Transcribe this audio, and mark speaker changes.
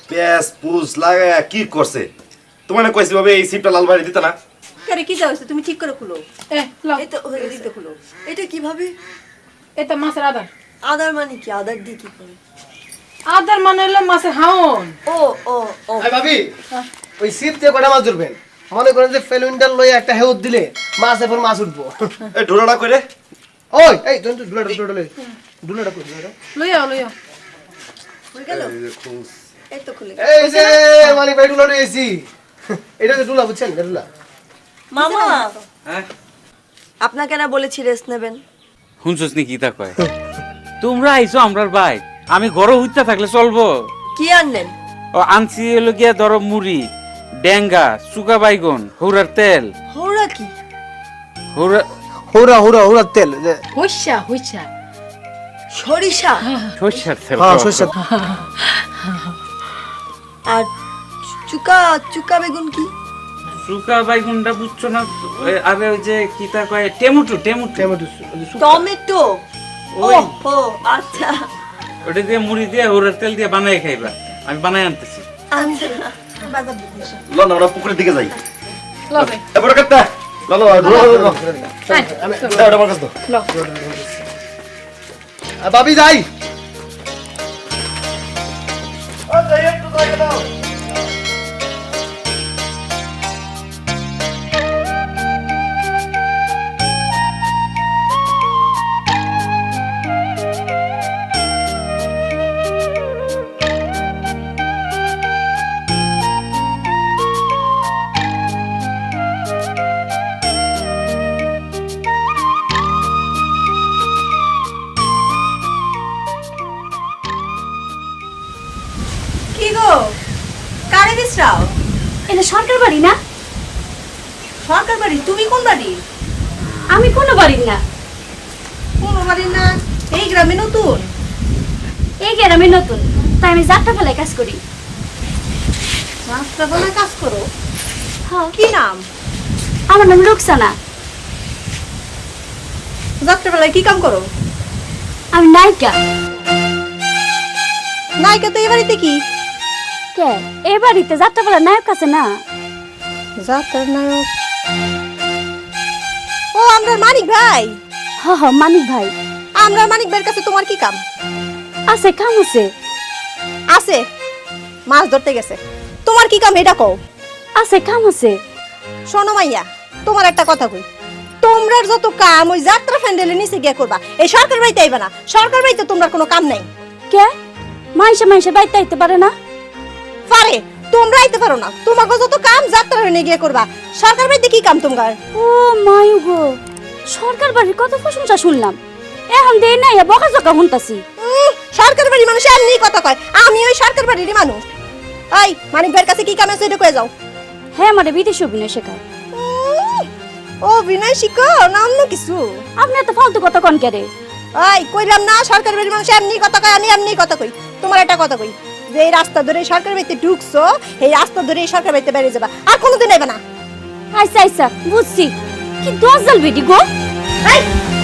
Speaker 1: প্যাস পুজ লাগায়া কি করছে? তোমার না কইছি ভাবে এই সিপটা লাল বাড়ি দিতে না?
Speaker 2: আরে কি যাও তুমি ঠিক করে খুলো।
Speaker 3: লাও
Speaker 2: এই তো হয়ে দিতে খুলো। এটা কিভাবে?
Speaker 3: এটা মাছের আদার।
Speaker 2: আদার মানে কি? আদার দিয়ে কি করে?
Speaker 3: আদার মানে হলো মাছের হাওন।
Speaker 2: ও ও ও
Speaker 4: আই ভাবি ওই সিপ দিয়ে কটা মাছ ধরবেন? মনে করেন যে ফেলুইন্ডাল লয়ে একটা হেউদ দিলে মাছের পর মাছ উঠবো।
Speaker 1: এই ঢোলাটা কইরে
Speaker 4: ওই এই তুই দুলাটা দুলাটা কই দুলাটা
Speaker 3: লইয়া লইয়া।
Speaker 2: হয়ে গেল?
Speaker 1: এই যে খুশ।
Speaker 2: এই তো খুলে
Speaker 4: এই যে মালিক ভাই দুলা রয়েছি। এটা যে দুলা বুঝছেন দুলা।
Speaker 2: মামা
Speaker 5: হ্যাঁ
Speaker 2: আপনাকে না বলেছি রেস্ট নেবেন।
Speaker 5: শুনছস নি কি তা কয়? তোমরা আইছো আমরার ভাই, আমি ঘরে হইতা থাকলে চলবো?
Speaker 2: কি আনলেন?
Speaker 5: ও আনছি হলো গিয়া ধরো মুড়ি, ডেঙ্গা, সুকা বাইগন, হৌরার তেল।
Speaker 2: হৌরা কি?
Speaker 5: হৌরা
Speaker 4: হোরা হোরা হোরা তেল
Speaker 3: হইছা হইছা।
Speaker 2: সরিষা
Speaker 5: সর্ষার তেল।
Speaker 4: হ্যাঁ সরষে
Speaker 2: আর চুকা চুকা বেগুন কি?
Speaker 5: সুকা বাইগনটা বুঝছো না? আরে ওই যে কি তা কয় টেমুটু টেমুটু।
Speaker 2: টমেটো। ও
Speaker 5: ওই।
Speaker 2: ও আচ্ছা
Speaker 5: ওটা দিয়ে মুড়ি দিয়ে হৌরার তেল দিয়ে বানাই খাইবা। আমি বানাই আনতেছি।
Speaker 2: আচ্ছা বাজার দিতে এসো।
Speaker 1: লন আমরা পুকুরের দিকে যাই।
Speaker 3: লবে।
Speaker 1: এবারে কাটটা। লন লন।
Speaker 4: আমি
Speaker 1: এটা আমার কাছে দাও।
Speaker 3: লও।
Speaker 4: ভাবি যাই
Speaker 1: ও যাই একটু জায়গা দাও।
Speaker 2: কি গো কারে বিশ্রাও?
Speaker 6: এটা সরকার বাড়ি না?
Speaker 2: সরকার বাড়ি? তুমি কোন বাড়ি?
Speaker 6: আমি কোনো বাড়ির না।
Speaker 2: কোন বাড়ি না? এই গ্রামে নতুন?
Speaker 6: এই গ্রামে নতুন, তাই আমি যাত্রা ফেলায় কাজ করি।
Speaker 2: রাস্তাবেলায় কাজ করো?
Speaker 6: হ্যাঁ,
Speaker 2: কি নাম?
Speaker 6: আমার নাম রুকসানা।
Speaker 2: যাত্রাবেলায় কি কাম করো?
Speaker 6: আমি নায়িকা।
Speaker 2: নায়িকা তো এই বাড়িতে কি?
Speaker 6: কে এই বাড়িতে যাত্রা ফেলার নায়ক আছে না?
Speaker 2: যাত্রার নায়ক? ও আমরা মানিক ভাই।
Speaker 6: হ হ, মানিক ভাই।
Speaker 2: আমরা মানিক ভাইয়ের কাছে তোমার কি কাম?
Speaker 6: আছে, কাম আছে।
Speaker 2: আছে মাছ ধরতে গেছে। তোমার কি কাম এটা কও?
Speaker 6: আছে, কাম আছে।
Speaker 2: শোনো মাইয়া, তোমার একটা কথা কই। তোমরার যত কাম ওই যাত্রা ফ্যান্ডেলের নিচে গিয়ে করবা, এই সরকার বাড়িতে আইবা না। সরকার বাড়িতে তোমরা কোনো কাম নাই।
Speaker 6: কে মাইসে মাইসে বাড়িতে আইতে পারে না?
Speaker 2: পারে, তোমরা আইতে পারো না। তোমাকে যত কাম যাত্রা ফ্যান্ডে গিয়ে করবা। সরকার বাড়িতে কি কাম তোমার?
Speaker 6: ও মায়ু গো, সরকার বাড়ির কত প্রশংসা শুনলাম, এখন দেই নাই বকাঝকা শুনতাছি।
Speaker 2: সরকার বাড়ির মানুষ এমনি কথা কয়। আমি ওই সরকার বাড়িরই মানুষ। এই মানিক ভাইয়ের কাছে কি কাম আছে এটা কয়ে যাও।
Speaker 6: হ্যাঁ, আমারে বিদেশি অভিনয় শেখায়।
Speaker 2: ও বিনয় শিখো না অন্য কিছু?
Speaker 6: আপনি এত ফালতু কথা কন কে রে?
Speaker 2: এই কইলাম না সরকার বাড়ির মানুষ এমনি কথা কয়, আমি এমনি কথা কই। তোমার একটা কথা কই, যে এই রাস্তা ধরে সরকার বাড়িতে ঢুকছো, এই রাস্তা ধরে এই সরকার বাড়িতে বেরিয়ে যাবা, আর কোনোদিন আইবা না।
Speaker 6: আচ্ছা আচ্ছা, বুঝছি। কি দশজাল বেটি গো।
Speaker 2: এই